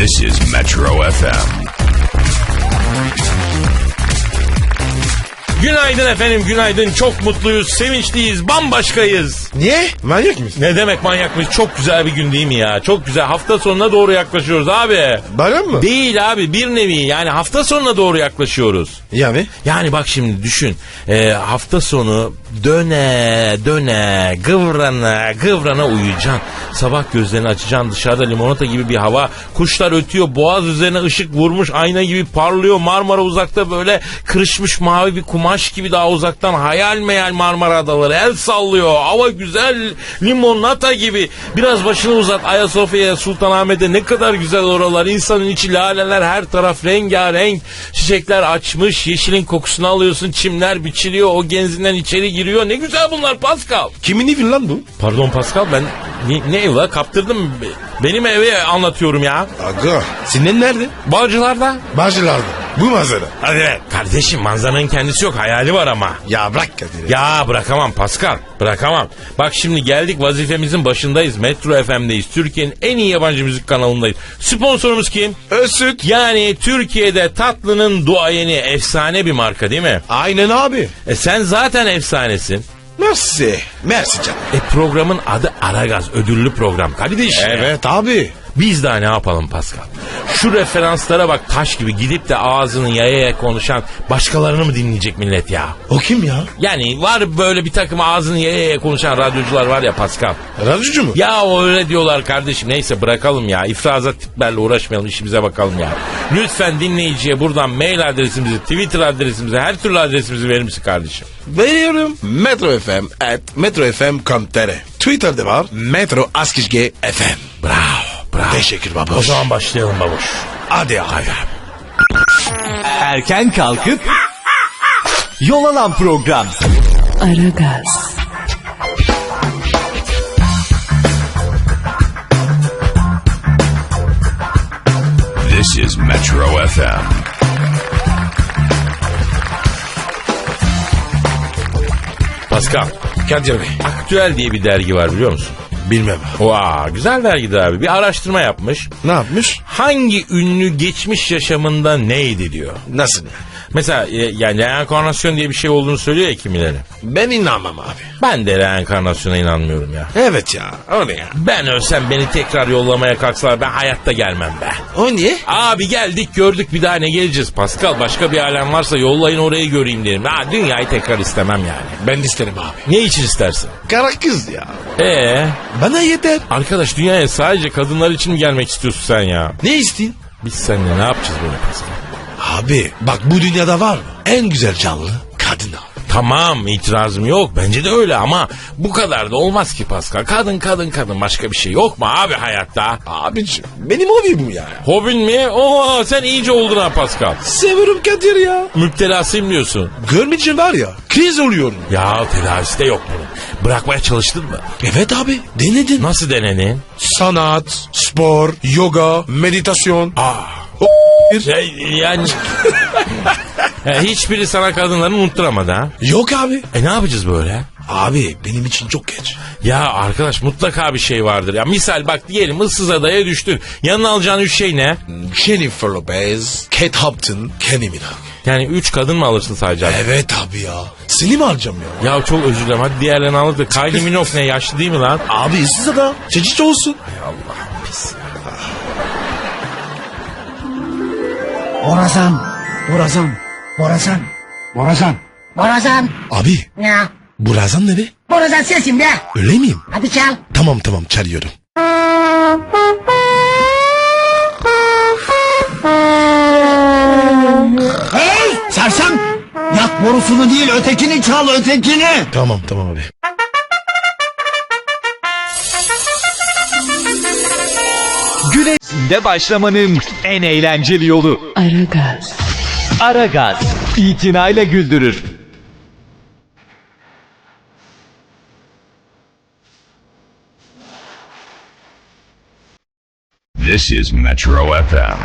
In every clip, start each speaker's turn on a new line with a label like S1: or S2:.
S1: This is Metro FM.
S2: Günaydın efendim, günaydın. Çok mutluyuz, sevinçliyiz, bambaşkayız.
S3: Niye? Manyak mısın?
S2: Ne demek manyak mıyız? Çok güzel bir gün değil mi ya? Çok güzel. Hafta sonuna doğru yaklaşıyoruz abi.
S3: Bayram mı?
S2: Değil abi, bir nevi. Yani hafta sonuna doğru yaklaşıyoruz.
S3: Yani?
S2: Yani bak şimdi düşün. Hafta sonu döne kıvrana uyuyacaksın. Sabah gözlerini açacaksın, dışarıda limonata gibi bir hava. Kuşlar ötüyor, boğaz üzerine ışık vurmuş, ayna gibi parlıyor. Marmara uzakta böyle kırışmış mavi bir kumaş gibi daha uzaktan hayal meyal Marmara Adaları el sallıyor. Hava güzel, limonata gibi. Biraz başını uzat Ayasofya'ya, Sultanahmet'e, ne kadar güzel oralar. İnsanın içi laleler, her taraf rengarenk. Çiçekler açmış, yeşilin kokusunu alıyorsun. Çimler biçiliyor, o genzinden içeri giriyor. Ne güzel bunlar Pascal.
S3: Kimin evi lan bu?
S2: Pardon Pascal, ben ne ev la, kaptırdım. Benim evi anlatıyorum ya.
S3: Aga, senin nerede?
S2: Bağcılar'da.
S3: Bağcılar'da. Bu manzara.
S2: Hadi be. Kardeşim, manzaranın kendisi yok, hayali var ama.
S3: Ya bırak Kadir.
S2: Ya bırakamam Pascal, bırakamam. Bak şimdi geldik, vazifemizin başındayız. Metro FM'deyiz. Türkiye'nin en iyi yabancı müzik kanalındayız. Sponsorumuz kim?
S3: Özsüt.
S2: Yani Türkiye'de tatlının duayeni, efsane bir marka değil mi?
S3: Aynen abi.
S2: Sen zaten efsanesin.
S3: Mersi. Mersi canım.
S2: Programın adı Aragaz, ödüllü program kardeşim.
S3: Evet abi.
S2: Biz daha ne yapalım Pascal? Şu referanslara bak, taş gibi gidip de ağzını yaya konuşan başkalarını mı dinleyecek millet ya?
S3: O kim ya?
S2: Yani var böyle bir takım ağzını yaya konuşan radyocular var ya Pascal.
S3: Radyocu mu?
S2: Ya öyle diyorlar kardeşim. Neyse bırakalım ya. İfrazat tiplerle uğraşmayalım, işimize bakalım ya. Lütfen dinleyiciye buradan mail adresimizi, Twitter adresimizi, her türlü adresimizi verir misin kardeşim?
S3: Veriyorum. metrofm@metrofm.com.tr. Twitter'da var. Metro Askizge FM.
S2: Bravo.
S3: Teşekkür babuş.
S2: O zaman başlayalım babuş.
S3: Hadi abi.
S4: Erken kalkıp yol alan program.
S5: Aragaz.
S1: This is Metro FM.
S2: Pascal,
S3: Kadir Bey.
S2: Aktüel diye bir dergi var, biliyor musun?
S3: Bilmem.
S2: Vaa, güzel dergidir abi. Bir araştırma yapmış.
S3: Ne yapmış?
S2: Hangi ünlü geçmiş yaşamında neydi diyor.
S3: Nasıl?
S2: Mesela yani reenkarnasyon diye bir şey olduğunu söylüyor ya kimileri.
S3: Ben inanmam abi.
S2: Ben de reenkarnasyona inanmıyorum ya.
S3: Evet ya. O ne ya?
S2: Ben ölsem beni tekrar yollamaya kalksalar ben hayatta gelmem be.
S3: O niye?
S2: Abi geldik gördük, bir daha ne geleceğiz Pascal? Başka bir alem varsa yollayın, orayı göreyim derim. Ha, dünyayı tekrar istemem yani.
S3: Ben de isterim abi.
S2: Ne için istersin?
S3: Kara kız ya. Bana yeter.
S2: Arkadaş, dünyaya sadece kadınlar için mi gelmek istiyorsun sen ya?
S3: Ne isteyin?
S2: Biz seninle ne yapacağız böyle Pascal?
S3: Abi bak, bu dünyada var mı? En güzel canlı kadın abi.
S2: Tamam, itirazım yok, bence de öyle ama bu kadar da olmaz ki Pascal. Kadın, başka bir şey yok mu abi hayatta?
S3: Abicim benim hobim bu ya.
S2: Hobin mi? Oo, sen iyice oldun ha Pascal.
S3: Seviyorum Kadir ya.
S2: Müptelasıyım diyorsun.
S3: Görmeyince var ya, kriz oluyorum.
S2: Ya tedavisi de yok bunun. Bırakmaya çalıştın mı?
S3: Evet abi, denedim.
S2: Nasıl denedin?
S3: Sanat, spor, yoga, meditasyon.
S2: Yani hiçbiri sana kadınları unutturamadı ha?
S3: Yok abi.
S2: Ne yapacağız böyle?
S3: Abi benim için çok geç.
S2: Ya arkadaş, mutlaka bir şey vardır. Ya misal bak, diyelim ıssız adaya düştün. Yanına alacağın 3 şey ne?
S3: Jennifer Lopez, Kate Upton, Kenny Minogue.
S2: Yani 3 kadın mı alırsın sadece?
S3: Evet abi ya. Seni mi alacağım ya?
S2: Ya çok özür dilerim, hadi diğerlerini alır da. Kylie Minogue ne, yaşlı değil mi lan?
S3: Abi ıssız ada. Çeşitli olsun.
S6: Borazan.
S3: Abi
S6: Ne?
S3: bu Razan ne be?
S6: Borazan sensin be.
S3: Öyle miyim?
S6: Hadi çal.
S3: Tamam çalıyorum.
S6: Hey sersem. Yak borusunu değil, ötekini çal, ötekini.
S3: Tamam abi.
S4: Güneşinde başlamanın en eğlenceli yolu.
S5: Aragaz.
S4: Aragaz. İtinayla güldürür.
S1: This is Metro FM.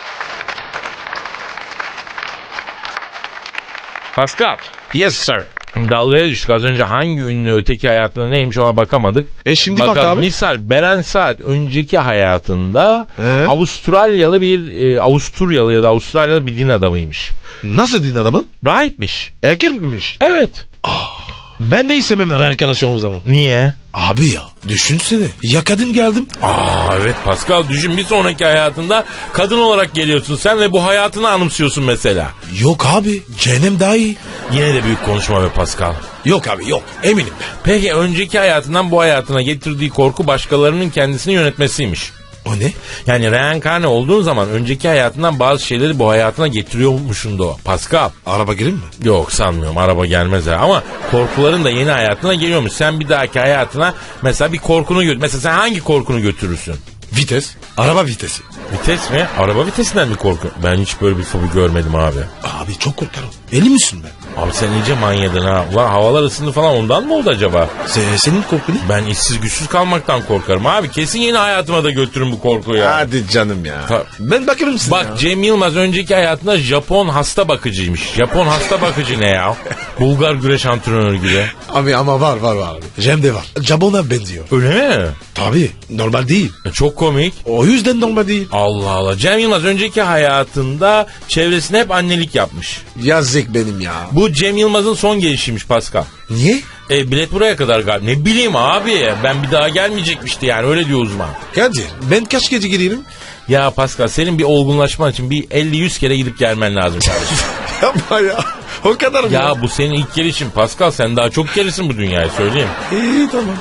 S2: Pascal,
S3: Yes sir.
S2: Dalgaya düştük. Az önce hangi ünlü öteki hayatında neymiş ona bakamadık.
S3: Şimdi bak
S2: Bakalım.
S3: abi.
S2: Misal Beren Saat önceki hayatında
S3: He?
S2: Avusturyalı ya da Avustralyalı bir din adamıymış.
S3: Nasıl din adamın?
S2: Rahipmiş.
S3: Erkek miymiş?
S2: Evet.
S3: Ben de istemem reenkarnasyon o zaman.
S2: Niye?
S3: Abi ya düşünsene. Ya kadın geldim.
S2: Evet Pascal, düşün, bir sonraki hayatında kadın olarak geliyorsun sen ve bu hayatını anımsıyorsun mesela.
S3: Yok abi. Cehennem daha iyi.
S2: Yine de büyük konuşma be Pascal.
S3: Yok abi yok. Eminim ben.
S2: Peki önceki hayatından bu hayatına getirdiği korku başkalarının kendisini yönetmesiymiş.
S3: O ne?
S2: Yani reenkarne olduğun zaman önceki hayatından bazı şeyleri bu hayatına getiriyormuşsun da o. Pascal.
S3: Araba gireyim mi?
S2: Yok sanmıyorum, araba gelmez ha. Ama korkuların da yeni hayatına geliyormuş. Sen bir dahaki hayatına mesela bir korkunu götür. Mesela sen hangi korkunu götürürsün?
S3: Vites. Araba vitesi.
S2: Vites mi? Araba vitesinden mi korku? Ben hiç böyle bir fobi görmedim abi.
S3: Abi çok korkarım. Eli misin ben?
S2: Abi sen iyice manyadın ha. Ulan havalar ısındı falan, ondan mı oldu acaba?
S3: Senin korkun ne?
S2: Ben işsiz güçsüz kalmaktan korkarım abi. Kesin yeni hayatıma da götürün bu korkuyu ya.
S3: Hadi canım ya.
S2: Ta-
S3: Ben bakarım size.
S2: Bak Cem Yılmaz önceki hayatında Japon hasta bakıcıymış. Japon hasta bakıcı ne ya? Bulgar güreş antrenörü gibi.
S3: Abi ama var abi. Cem de var. Jabon'a benziyor.
S2: Öyle mi?
S3: Tabii normal değil.
S2: Çok komik.
S3: O yüzden normal değil.
S2: Allah Allah. Cem Yılmaz önceki hayatında çevresine hep annelik yapmış.
S3: Yazık benim ya.
S2: Bu Cem Yılmaz'ın son gelişiymiş Pascal.
S3: Niye?
S2: Bilet buraya kadar galiba. Ne bileyim abi. Ben bir daha gelmeyecekmişti yani, öyle diyor uzman.
S3: Kadir ben kaç gece girerim?
S2: Ya Pascal, senin bir olgunlaşman için bir 50-100 kere gidip gelmen lazım kardeşim.
S3: Yapma ya. O kadar mı?
S2: Ya bu senin ilk gelişin Pascal. Sen daha çok gelirsin bu dünyaya, söyleyeyim.
S3: İyi tamam.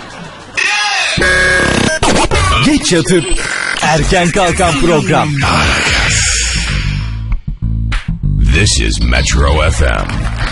S4: Geç yatıp erken kalkan program.
S1: This is Metro FM.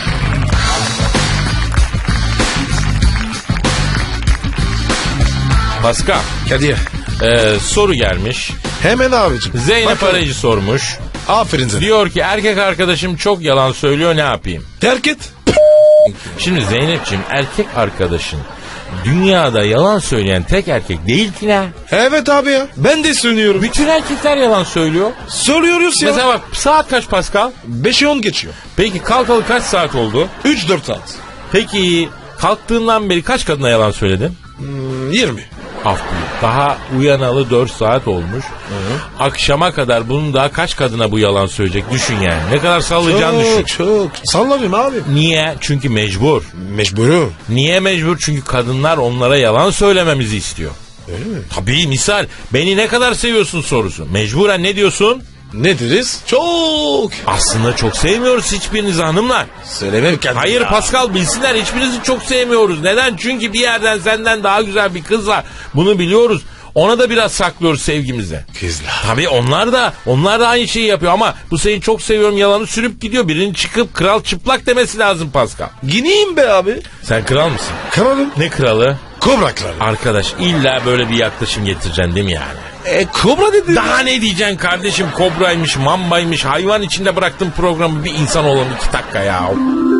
S2: Pascal,
S3: Kadir.
S2: soru gelmiş.
S3: Hemen abicim.
S2: Zeynep
S3: Bakalım.
S2: Arayıcı sormuş.
S3: Aferin sana.
S2: Diyor ki erkek arkadaşım çok yalan söylüyor, ne yapayım?
S3: Terk et.
S2: Şimdi Zeynep'ciğim, erkek arkadaşın dünyada yalan söyleyen tek erkek değil ki ne?
S3: Evet abi ya. Ben de söylüyorum.
S2: Bütün erkekler yalan söylüyor.
S3: Söylüyoruz ya.
S2: Mesela bak, saat kaç Pascal?
S3: 5'e 10 geçiyor.
S2: Peki kalkalı kaç saat oldu?
S3: 3-4 saat.
S2: Peki kalktığından beri kaç kadına yalan söyledin?
S3: 20.
S2: Af buyur. Daha uyanalı 4 saat olmuş. Akşama kadar bunun daha kaç kadına bu yalan söyleyecek, düşün yani. Ne kadar sallayacağını düşün.
S3: Çok. Sallamıyorum abi.
S2: Niye? Çünkü mecbur.
S3: Mecburum.
S2: Niye mecbur? Çünkü kadınlar onlara yalan söylememizi istiyor.
S3: Öyle mi?
S2: Tabii, misal beni ne kadar seviyorsun sorusu. Mecburen ne diyorsun?
S3: Ne deriz? Çok.
S2: Aslında çok sevmiyoruz hiçbirinizi hanımlar.
S3: Söylemem kendim.
S2: Hayır
S3: ya.
S2: Pascal, bilsinler, hiçbirinizi çok sevmiyoruz. Neden? Çünkü bir yerden senden daha güzel bir kız var. Bunu biliyoruz. Ona da biraz saklıyoruz sevgimizi.
S3: Kızlar.
S2: Tabii onlar da aynı şeyi yapıyor ama bu seni çok seviyorum yalanı sürüp gidiyor. Birinin çıkıp kral çıplak demesi lazım Pascal.
S3: Gineyim be abi.
S2: Sen kral mısın?
S3: Kralım.
S2: Ne kralı?
S3: Kobra kralı.
S2: Arkadaş, illa böyle bir yaklaşım getireceksin değil mi yani?
S3: Kobra dedi.
S2: Daha ne diyeceksin kardeşim? Kobraymış, mambaymış, hayvan içinde bıraktığın programı bir insan olalım 2 dakika ya.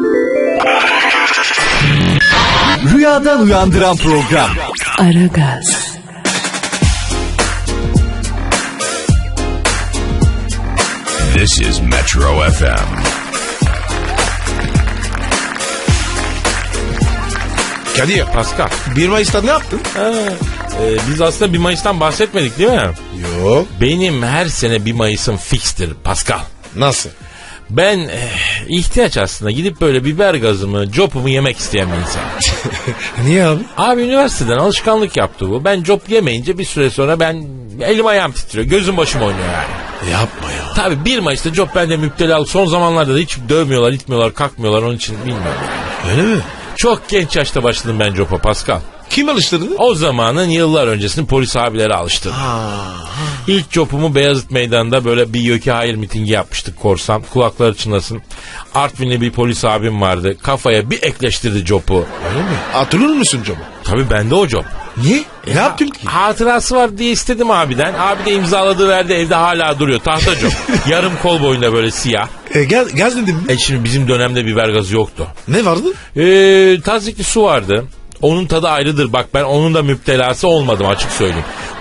S4: Rüyadan uyandıran program.
S5: Aragaz,
S1: This is Metro FM.
S3: Kadir.
S2: Pascal.
S3: 1 Mayıs'ta ne yaptın?
S2: Biz aslında 1 Mayıs'tan bahsetmedik değil mi?
S3: Yok.
S2: Benim her sene 1 Mayıs'ım fikstir Pascal.
S3: Nasıl?
S2: Ben ihtiyaç aslında gidip böyle biber gazımı, copumu yemek isteyen bir insan.
S3: Niye abi?
S2: Abi üniversiteden alışkanlık yaptı bu. Ben cop yemeyince bir süre sonra ben elim ayağım titriyor. Gözüm başım oynuyor yani.
S3: Yapma ya.
S2: Tabii 1 Mayıs'ta cop bende müptela. Son zamanlarda da hiç dövmüyorlar, itmiyorlar, kalkmıyorlar. Onun için bilmiyorum yani.
S3: Öyle mi?
S2: Çok genç yaşta başladım ben copa Pascal.
S3: Kim alıştırdı?
S2: O zamanın yıllar öncesini polis abileri alıştırdı. İlk copumu Beyazıt Meydanı'nda böyle bir Yöke Hayır mitingi yapmıştık korsan. Kulakları çınlasın. Artvinli bir polis abim vardı. Kafaya bir ekleştirdi copu.
S3: Öyle mi? Hatırlıyor musun Coba?
S2: Tabii bende o cop.
S3: Niye? Ne yaptın ki?
S2: Hatırası var diye istedim abiden. Abi de imzaladığı verdi, evde hala duruyor. Tahta cop. Yarım kol boyunda böyle siyah.
S3: Gaz dedim mi?
S2: Şimdi bizim dönemde biber gazı yoktu.
S3: Ne vardı?
S2: Tazikli su vardı. Onun tadı ayrıdır. Bak ben onun da müptelası olmadım, açık söyleyeyim.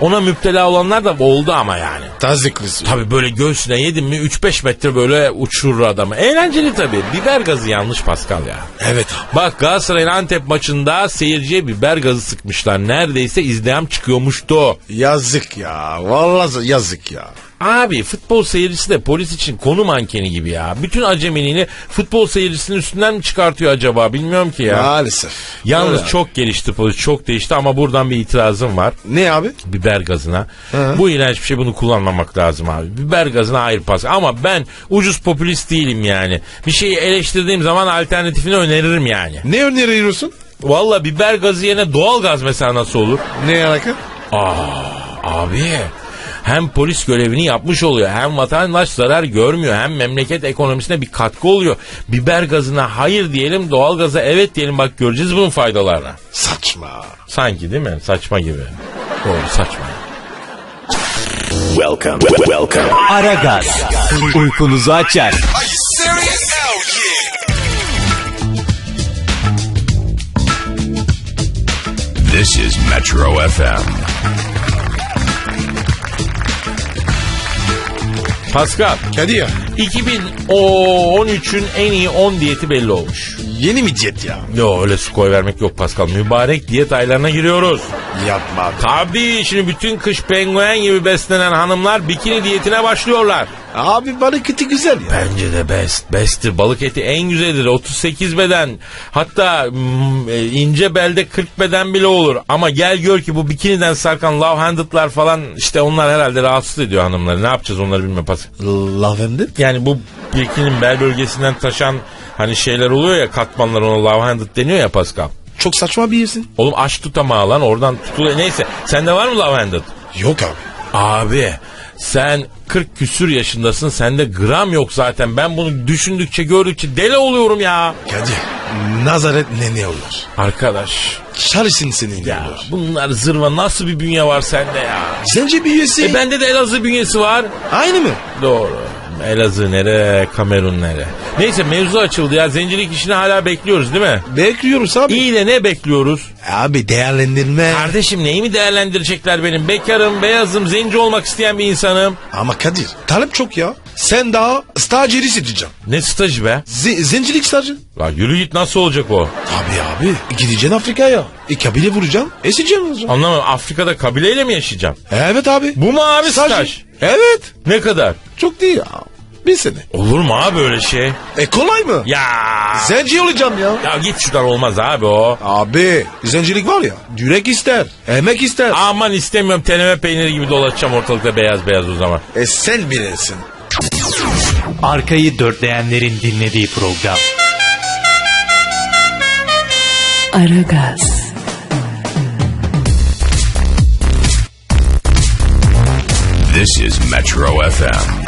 S2: Ona müptela olanlar da oldu ama yani.
S3: Taziklisi.
S2: Tabii böyle göğsüne yedin mi 3-5 metre böyle uçurur adamı. Eğlenceli tabii. Biber gazı yanlış Pascal ya.
S3: Evet abi.
S2: Bak Galatasaray'ın Antep maçında seyirciye biber gazı sıkmışlar. Neredeyse izdiham çıkıyormuştu.
S3: Yazık ya. Vallahi yazık ya.
S2: Abi futbol seyircisi de polis için konu mankeni gibi ya. Bütün acemiliğini futbol seyircisinin üstünden mi çıkartıyor acaba bilmiyorum ki ya.
S3: Maalesef.
S2: Yalnız
S3: Öyle.
S2: çok gelişti polis, çok değişti ama buradan bir itirazım var.
S3: Ne abi?
S2: Biber gazına.
S3: Hı.
S2: Bu iğrenç bir şey, bunu kullanmamak lazım abi. Biber gazına hayır pas. Ama ben ucuz popülist değilim yani. Bir şeyi eleştirdiğim zaman alternatifini öneririm yani.
S3: Ne öneriyorsun?
S2: Valla biber gazı yerine doğal gaz mesela nasıl olur?
S3: Ne alaka?
S2: Abi hem polis görevini yapmış oluyor, hem vatandaş zarar görmüyor, hem memleket ekonomisine bir katkı oluyor. Biber gazına hayır diyelim, doğal gaza evet diyelim, bak göreceğiz bunun faydalarını.
S3: Saçma.
S2: Sanki değil mi? Saçma gibi. Doğru, saçma.
S1: Welcome.
S4: Aragaz. Uykunuzu açar.
S1: This is Metro FM.
S2: Pascal,
S3: Hadi ya.
S2: 2013'ün en iyi 10 diyeti belli olmuş.
S3: Yeni mi diyet ya?
S2: Yo, öyle su koy vermek yok Pascal. Mübarek diyet aylarına giriyoruz.
S3: Yapma abi.
S2: Tabii şimdi bütün kış penguen gibi beslenen hanımlar bikini diyetine başlıyorlar.
S3: Abi balık eti güzel ya.
S2: Bence de besttir. Balık eti en güzelidir. 38 beden, hatta ince belde 40 beden bile olur. Ama gel gör ki bu bikiniden sarkan love handed'lar falan, işte onlar herhalde rahatsız ediyor hanımları. Ne yapacağız onları bilmiyorum Pascal.
S3: Lavender?
S2: Yani bu bikinin bel bölgesinden taşan hani şeyler oluyor ya, katmanlar, ona love handed deniyor ya Pascal.
S3: Çok saçma bir yersin.
S2: Oğlum aç tutamağı lan, oradan tutuluyor. Neyse, sende var mı love handed?
S3: Yok abi.
S2: Abi sen 40 küsür yaşındasın, sende gram yok zaten. Ben bunu düşündükçe gördükçe deli oluyorum ya.
S3: Kadir. Nazaret ne olur?
S2: Arkadaş
S3: Çalışsın senin
S2: ya,
S3: olur.
S2: bunlar zırva, nasıl bir bünye var sende ya?
S3: Sence bir üyesi?
S2: Bende de Elazığ bünyesi var.
S3: Aynı mı?
S2: Doğru. Elazığ nere, Kamerun nere? Neyse, mevzu açıldı ya. Zencilik işini hala bekliyoruz değil mi?
S3: Bekliyoruz abi.
S2: İyi de ne bekliyoruz?
S3: Abi değerlendirme.
S2: Kardeşim neyi mi değerlendirecekler benim? Bekarım, beyazım, zenci olmak isteyen bir insanım.
S3: Ama Kadir talep çok ya. Sen daha stajyeri seçeceksin.
S2: Ne stajı be?
S3: Zencilik stajı.
S2: La yürü git, nasıl olacak o?
S3: Tabii abi. Gideceksin Afrika'ya. Kabile vuracaksın. Eseceksin.
S2: Anlamadım, Afrika'da kabileyle mi yaşayacağım?
S3: Evet abi.
S2: Bu mu abi staj?
S3: Evet.
S2: Ne kadar?
S3: Çok değil ya. Bir sene.
S2: Olur mu abi öyle şey?
S3: Kolay mı?
S2: Ya.
S3: Zenci olacağım ya.
S2: Ya git şuradan, olmaz abi o.
S3: Abi zencilik var ya. Yürek ister. Emek ister.
S2: Aman istemiyorum, teneme peyniri gibi dolaşacağım ortalıkta beyaz beyaz o zaman.
S3: Sen bilirsin.
S4: Arkayı dörtleyenlerin dinlediği program.
S5: Aragaz,
S1: This is Metro FM.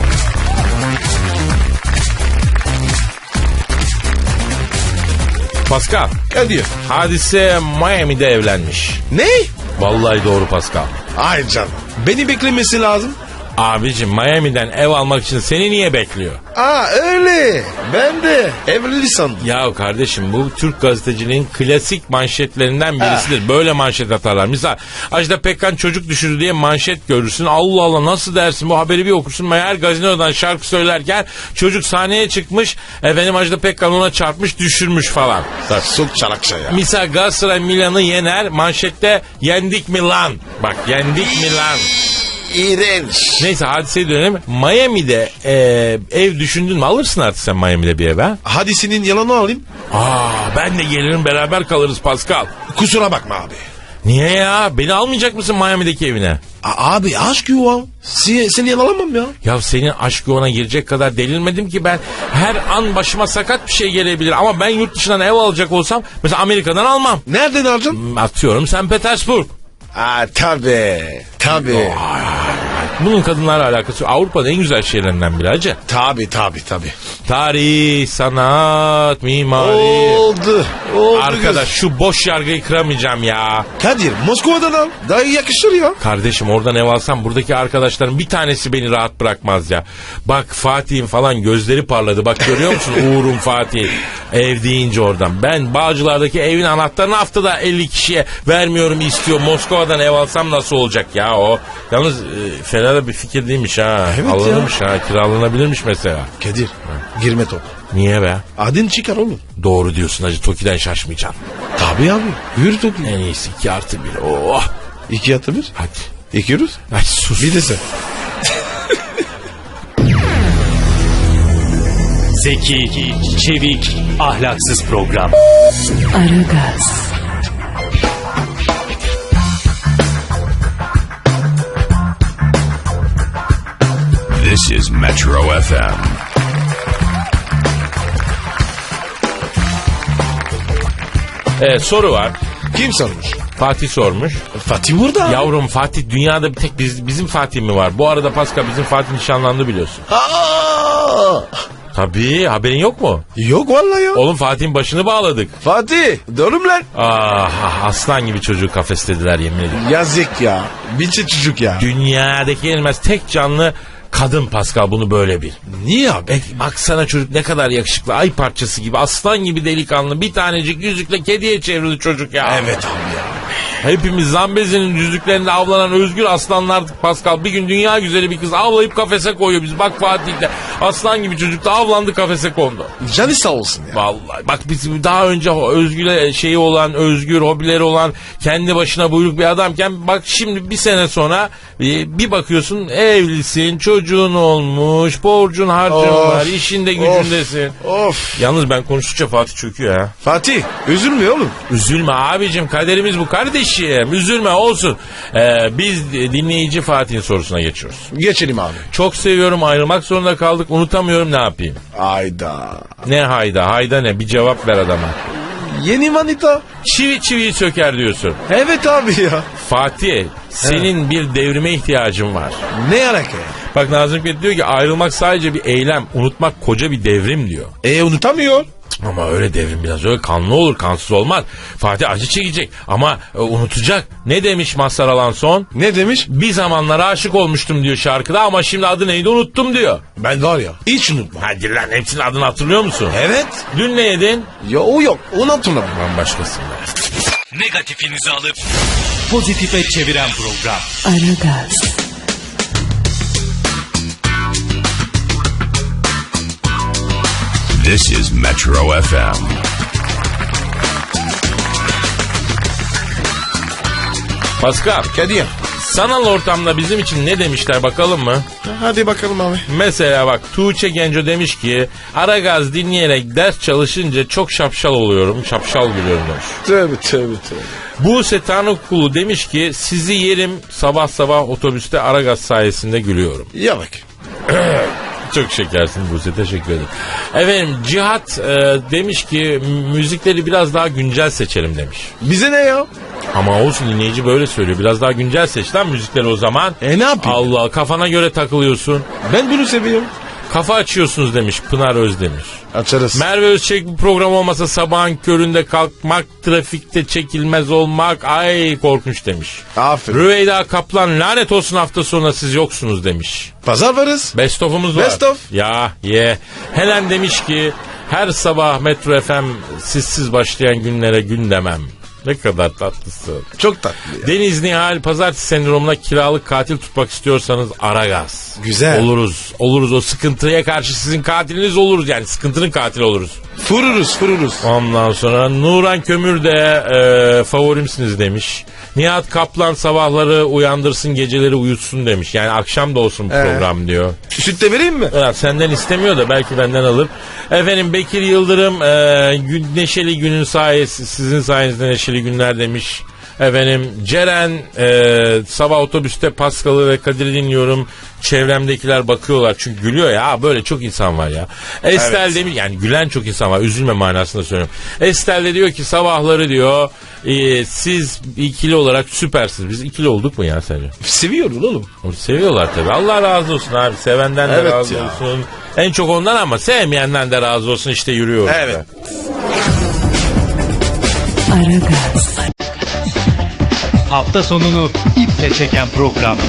S2: Pascal,
S3: Kadir.
S2: Hadise Miami'de evlenmiş.
S3: Ne?
S2: Vallahi doğru Pascal.
S3: Ay canım. Beni beklemesi lazım.
S2: Abicim Miami'den ev almak için seni niye bekliyor?
S3: Öyle. Ben de evli sandım.
S2: Ya kardeşim, bu Türk gazeteciliğin klasik manşetlerinden birisidir. Böyle manşet atarlar. Misal Ajda Pekkan çocuk düşürdü diye manşet görürsün. Allah Allah, nasıl dersin, bu haberi bir okursun. Meğer gazinodan şarkı söylerken çocuk sahneye çıkmış. Efendim Ajda Pekkan ona çarpmış, düşürmüş falan.
S3: Çok çalakça ya.
S2: Misal Galatasaray Milan'ı yener, manşette yendik Milan. Bak, yendik Milan.
S3: İğrenç.
S2: Neyse, hadiseye dönelim. Miami'de ev düşündün mü? Alırsın artık sen Miami'de bir ev ha?
S3: Hadi senin yalanı alayım.
S2: Ben de gelirim, beraber kalırız Pascal.
S3: Kusura bakma abi.
S2: Niye ya? Beni almayacak mısın Miami'deki evine?
S3: Abi aşk yuvam. Seni yalanamam ya.
S2: Ya senin aşk yoluna girecek kadar delirmedim ki ben. Her an başıma sakat bir şey gelebilir. Ama ben yurt dışından ev alacak olsam mesela Amerika'dan almam.
S3: Nereden alacaksın?
S2: Atıyorum St. Petersburg.
S3: Tabii. Tabii.
S2: Bunun kadınlarla alakası yok. Avrupa'nın en güzel şehirlerinden biri hacı.
S3: Tabii.
S2: Tarih, sanat, mimari.
S3: Oldu.
S2: Arkadaş şu boş yargıyı kıramayacağım ya.
S3: Kadir Moskova'dan al. Daha iyi yakışır ya.
S2: Kardeşim oradan ev alsam buradaki arkadaşların bir tanesi beni rahat bırakmaz ya. Bak Fatih'in falan gözleri parladı. Bak görüyor musun Uğur'un Fatih ev deyince oradan. Ben Bağcılar'daki evin anahtarını haftada 50 kişiye vermiyorum istiyor. Moskova'dan ev alsam nasıl olacak ya o. Yalnız fena da bir fikir değilmiş ha.
S3: Evet
S2: Alınırmış ha, kiralanabilirmiş mesela.
S3: Kadir girme top.
S2: Niye be?
S3: Adın çıkar oğlum.
S2: Doğru diyorsun hacı, Toki'den şaşmayacaksın.
S3: Tabii abi. Yürü Toki.
S2: En iyisi 2+1. Oh.
S3: 2+1.
S2: Hadi.
S3: Ekiyoruz.
S2: Ay sus.
S3: Bir de sen.
S4: Zeki, çevik, ahlaksız program.
S5: Aragaz,
S1: This is Metro FM.
S2: Evet, soru var.
S3: Kim sormuş?
S2: Fatih sormuş.
S3: Fatih burada.
S2: Yavrum Fatih dünyada bir tek bizim Fatih mi var? Bu arada Pascal bizim Fatih nişanlandı biliyorsun.
S3: Aa!
S2: Tabii, haberin yok mu?
S3: Yok vallahi ya.
S2: Oğlum Fatih'in başını bağladık.
S3: Fatih doğru mu lan?
S2: Aslan gibi çocuğu kafeslediler yemin ederim.
S3: Yazık ya. Biçi çocuk ya.
S2: Dünyadaki yenilmez tek canlı kadın Pascal, bunu böyle bil.
S3: Niye abi?
S2: Baksana çocuk ne kadar yakışıklı, ay parçası gibi, aslan gibi delikanlı, bir tanecik yüzükle kediye çevrildi çocuk ya.
S3: Evet abi ya.
S2: Hepimiz Zambezi'nin yüzüklerinde avlanan özgür aslanlardık Pascal. Bir gün dünya güzeli bir kız avlayıp kafese koyuyor biz. Bak Fatih'le aslan gibi çocuk da avlandı, kafese kondu.
S3: Canı sağ olsun ya.
S2: Vallahi bak biz daha önce özgür şeyi olan, özgür hobileri olan, kendi başına buyruk bir adamken bak şimdi bir sene sonra bir bakıyorsun evlisin, çocuğun olmuş, borcun harcın var, işinde gücündesin.
S3: Of.
S2: Yalnız ben konuştukça Fatih çöküyor ha.
S3: Fatih üzülme oğlum.
S2: Üzülme abicim, kaderimiz bu kardeşim. Üzülme olsun. Biz dinleyici Fatih'in sorusuna geçiyoruz.
S3: Geçelim abi.
S2: Çok seviyorum, ayrılmak zorunda kaldık, unutamıyorum, ne yapayım?
S3: Ayda.
S2: Ne hayda? Hayda ne? Bir cevap ver adama.
S3: Yeni manita.
S2: Çivi çiviyi söker diyorsun.
S3: Evet abi ya.
S2: Fatih, senin bir devrime ihtiyacın var.
S3: Ne alaka ya?
S2: Bak Nazım Hikmet diyor ki ayrılmak sadece bir eylem, unutmak koca bir devrim diyor.
S3: Unutamıyor.
S2: Ama öyle devrim biraz öyle kanlı olur, kansız olmaz. Fatih acı çekecek ama unutacak. Ne demiş Mazhar Alanson?
S3: Ne demiş?
S2: Bir zamanlar aşık olmuştum diyor şarkıda ama şimdi adı neydi unuttum diyor.
S3: Ben var ya hiç unutmam.
S2: Hadi lan, hepsinin adını hatırlıyor musun?
S3: Evet.
S2: Dün ne yedin?
S3: Ya o yok. Onu hatırlamam.
S2: Bambaşkasın.
S4: Negatifinizi alıp pozitife çeviren program.
S5: Aragaz,
S1: This is Metro FM.
S2: Pascal,
S3: Kadir.
S2: sanal ortamda bizim için ne demişler bakalım mı?
S3: Hadi bakalım abi.
S2: Mesela bak Tuğçe Genco demiş ki Aragaz dinleyerek ders çalışınca çok şapşal oluyorum, şapşal gülüyorum demiş.
S3: Tövbe.
S2: Buse Tanıkulu demiş ki sizi yerim, sabah sabah otobüste Aragaz sayesinde gülüyorum.
S3: Ya bak.
S2: Çok şekersin Buse, teşekkür ederim. Efendim Cihat demiş ki müzikleri biraz daha güncel seçelim demiş.
S3: Bize ne ya?
S2: Ama olsun, dinleyici böyle söylüyor. Biraz daha güncel seç lan müzikleri o zaman.
S3: Ne yapayım?
S2: Allah, kafana göre takılıyorsun.
S3: Ben bunu seviyorum.
S2: Kafa açıyorsunuz demiş Pınar Özdemir.
S3: Açarız.
S2: Merve Özçelik bu program olmasa sabahın köründe kalkmak, trafikte çekilmez olmak, ay korkunç demiş.
S3: Aferin.
S2: Rüveyda Kaplan lanet olsun hafta sonuna siz yoksunuz demiş.
S3: Pazar varız.
S2: Best of'umuz var.
S3: Best of.
S2: Ya ye. Helen demiş ki her sabah Metro FM sizsiz başlayan günlere gün demem. Ne kadar tatlısın.
S3: Çok tatlı ya.
S2: Deniz Nihal pazartesi sendromuna kiralık katil tutmak istiyorsanız Aragaz.
S3: Güzel.
S2: Oluruz o sıkıntıya karşı sizin katiliniz oluruz, yani sıkıntının katili oluruz.
S3: Fırırız.
S2: Ondan sonra Nuran Kömür de favorimsiniz demiş. Nihat Kaplan sabahları uyandırsın, geceleri uyutsun demiş. Yani akşam da olsun program diyor.
S3: Süt de vereyim mi?
S2: Evet, senden istemiyor da belki benden alır. Efendim Bekir Yıldırım neşeli günün sayesi, sizin sayenizde neşeli günler demiş. Efendim Ceren sabah otobüste Paskal'ı ve Kadir'i dinliyorum. Çevremdekiler bakıyorlar çünkü gülüyor ya. Böyle çok insan var ya. Estel demiş, yani gülen çok insan var. Üzülme manasında söylüyorum. Estel de diyor ki sabahları diyor siz ikili olarak süpersiniz. Biz ikili olduk mu ya sence?
S3: Seviyorsun oğlum.
S2: Seviyorlar tabii. Allah razı olsun abi. Sevenden de
S3: Evet
S2: razı
S3: ya.
S2: olsun. En çok ondan ama sevmeyenden de razı olsun. İşte yürüyoruz.
S3: Evet.
S5: Aragaz,
S4: Hafta sonunu iple çeken program.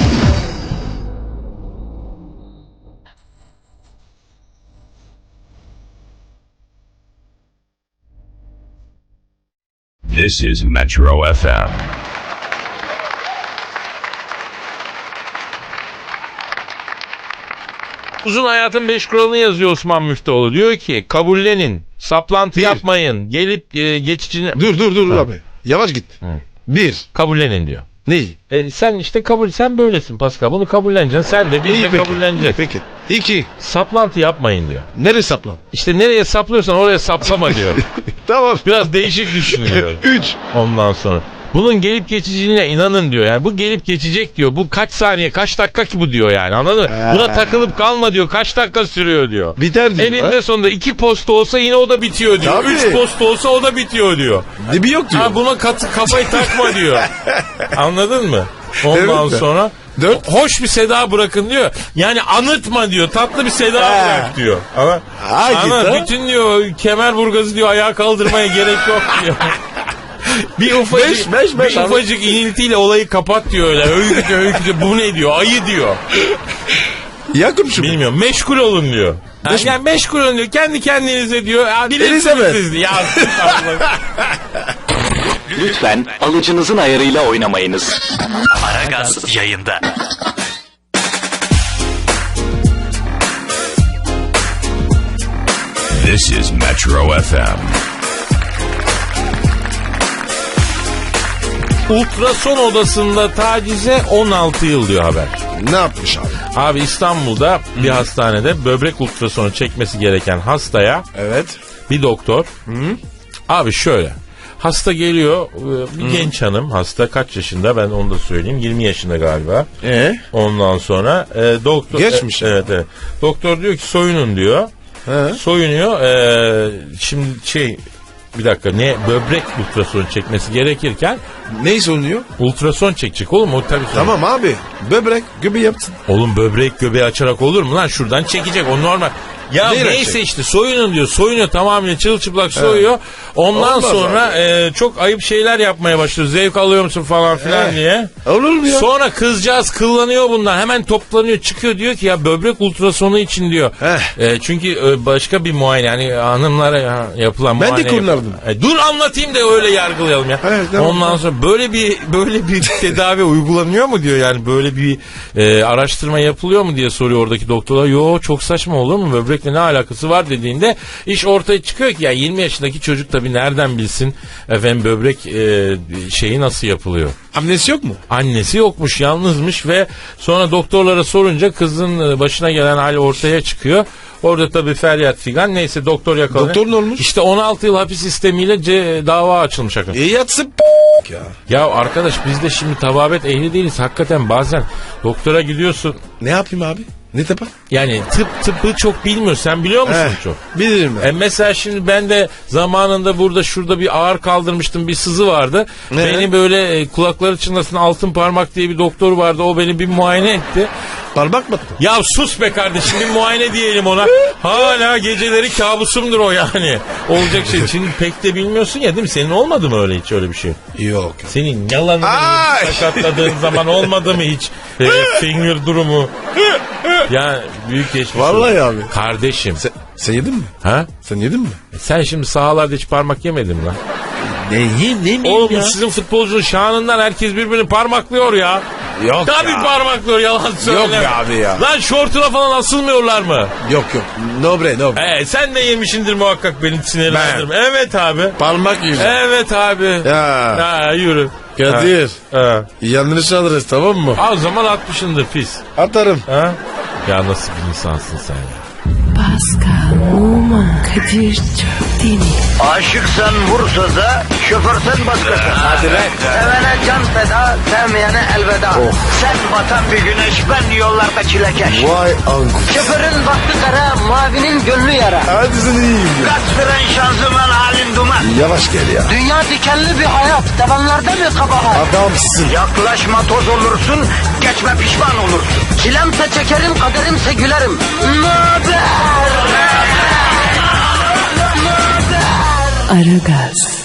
S1: This is Metro FM.
S2: Uzun Hayatın 5 kuralını yazıyor Osman Müftüoğlu. Diyor ki kabullenin, saplantı yapmayın, gelip geçici...
S3: Dur abi. Yavaş git. Bir.
S2: Kabullenin diyor.
S3: Neyi?
S2: Sen işte sen böylesin Pascal. Bunu kabulleneceksin. Sen de biz de kabulleneceğiz.
S3: Peki. İki.
S2: Saplantı yapmayın diyor.
S3: Nereye saplan?
S2: İşte nereye saplıyorsan oraya saplama diyor.
S3: Tamam.
S2: Biraz değişik düşünüyor.
S3: Üç.
S2: Ondan sonra. Bunun gelip geçiciliğine inanın diyor. Yani bu gelip geçecek diyor. Bu kaç saniye, kaç dakika ki bu diyor yani. Anladın mı? Buna takılıp kalma diyor. Kaç dakika sürüyor diyor.
S3: Biter diyor.
S2: Eninde sonunda 2 posta olsa yine o da bitiyor diyor.
S3: Tabii.
S2: 3 posta olsa o da bitiyor diyor.
S3: Dibi yok diyor.
S2: Ha, buna kafayı takma diyor. Anladın mı? Ondan
S3: Evet.
S2: sonra
S3: Dört.
S2: hoş bir seda bırakın diyor. Yani anıtma diyor. Tatlı bir seda bırak diyor. Ama
S3: git,
S2: bütün diyor Kemerburgaz'ı diyor ayağa kaldırmaya gerek yok diyor. Bir ufacık iniltiyle olayı kapat diyor öyle. Öyküde bu ne diyor? Ayı diyor.
S3: Yakın şu.
S2: Bilmiyorum. Meşgul olun diyor. Yani meşgul olun diyor. Kendi kendinize diyor.
S3: Elizabeth.
S2: Ya
S7: Lütfen alıcınızın ayarıyla oynamayınız. Aragaz yayında.
S1: This is Metro FM.
S2: ultrason odasında tacize 16 yıl diyor haber.
S3: Ne yapmış abi?
S2: Abi İstanbul'da bir hastanede böbrek ultrasonu çekmesi gereken hastaya
S3: Evet.
S2: bir doktor. Abi şöyle. Hasta geliyor. Bir genç hanım hasta. Kaç yaşında ben onu da söyleyeyim. 20 yaşında galiba. Ondan sonra doktor.
S3: Geçmiş.
S2: Evet. Doktor diyor ki soyunun diyor. Soyunuyor. Şimdi bir dakika böbrek ultrasonu çekmesi gerekirken
S3: Ne sorunuyor?
S2: ultrason çekecek oğlum o tabii.
S3: Tamam abi. Böbrek göbeği yapsın.
S2: Oğlum böbrek göbeği açarak olur mu lan? Şuradan çekecek o normal. Ya
S3: Neyle
S2: neyse
S3: çek?
S2: işte soyunun diyor. Soyunuyor tamamıyla çırılçıplak soyuyor. Ondan
S3: Olmaz
S2: sonra çok ayıp şeyler yapmaya başlıyor. Zevk alıyor musun falan filan diye.
S3: Olur mu ya?
S2: Sonra kızcağız kıllanıyor bundan. Hemen toplanıyor çıkıyor diyor ki ya böbrek ultrasonu için diyor. Çünkü başka bir muayene yani hanımlara yapılan
S3: Ben de
S2: muayene.
S3: kullandım.
S2: Dur anlatayım da öyle yargılayalım ya.
S3: Evet, tamam.
S2: Ondan sonra böyle bir tedavi uygulanıyor mu diyor yani böyle bir araştırma yapılıyor mu diye soruyor oradaki doktorlar. Yo çok saçma olur mu böbrekle ne alakası var dediğinde iş ortaya çıkıyor ki ya 20 yaşındaki çocuk tabii nereden bilsin efendim böbrek şeyi nasıl yapılıyor.
S3: Annesi yok mu?
S2: Annesi yokmuş yalnızmış ve sonra doktorlara sorunca kızın başına gelen hal ortaya çıkıyor. Orada tabii feryat figan neyse doktor yakalanıyor.
S3: Doktor ne olmuş?
S2: İşte 16 yıl hapis sistemiyle dava açılmış.
S3: Yatsın ya.
S2: Ya arkadaş biz de şimdi tababet ehli değiliz. Hakikaten bazen doktora gidiyorsun.
S3: Ne yapayım abi? Ne yapar?
S2: Yani tıbbı çok bilmiyorsun. Sen biliyor musun çok?
S3: Bilirim ben.
S2: Mesela şimdi ben de zamanında şurada bir ağır kaldırmıştım. Bir sızı vardı. Beni böyle kulakları çınlasın altın parmak diye bir doktor vardı. O beni bir muayene etti.
S3: Parmak mı?
S2: Ya sus be kardeşim bir muayene diyelim ona. Hala geceleri kabusumdur o yani. Olacak şey. Şimdi pek de bilmiyorsun ya değil mi? Senin olmadı mı öyle hiç öyle bir şey?
S3: Yok.
S2: Senin yalanını sakatladığın zaman olmadı mı hiç? Finger durumu. Ya büyük geçmiş.
S3: Vallahi abi.
S2: Kardeşim.
S3: Sen yedin mi?
S2: Ha?
S3: Sen yedin mi?
S2: Sen şimdi sahalarda hiç parmak yemedin mi lan?
S3: Ne
S2: Oğlum bu sizin futbolcunun şanından herkes birbirini parmaklıyor ya.
S3: Yok
S2: Tabii
S3: ya.
S2: parmaklıyor yalan söyle.
S3: Yok be abi ya.
S2: Lan şortuna falan asılmıyorlar mı?
S3: Yok. Nobre.
S2: Sen de yemişindir muhakkak beni sinirlendirme. Evet abi.
S3: Parmak yüzü.
S2: Evet abi.
S3: Ya.
S2: Yürü.
S3: Kadir.
S2: Ha.
S3: Yanlış alırız tamam mı?
S2: O zaman atmışındır pis.
S3: Atarım.
S2: Ha? Ya nasıl bir insansın sen ya?
S5: Pascal, Oman, Kadir çok değil mi?
S6: Aşıksan vursa da, şoförsen başkasın.
S3: Hadi be.
S6: Sevene
S8: feda, sevmeyene elveda. Sen batan bir güneş, ben yollarda çilekeş.
S3: Vay anku.
S8: Şoförün baktı kara, mavinin gönlü yara.
S3: Hadi sen iyiyim ya.
S8: Kasperen şanzıman halin duman.
S3: Yavaş gel ya.
S8: Dünya dikenli bir hayat, sevenlerde mi kabahar?
S3: Adamsın.
S8: Yaklaşma toz olursun, geçme pişman olursun. Çilemse çekerim, kaderimse gülerim. Möber!
S5: Aragaz.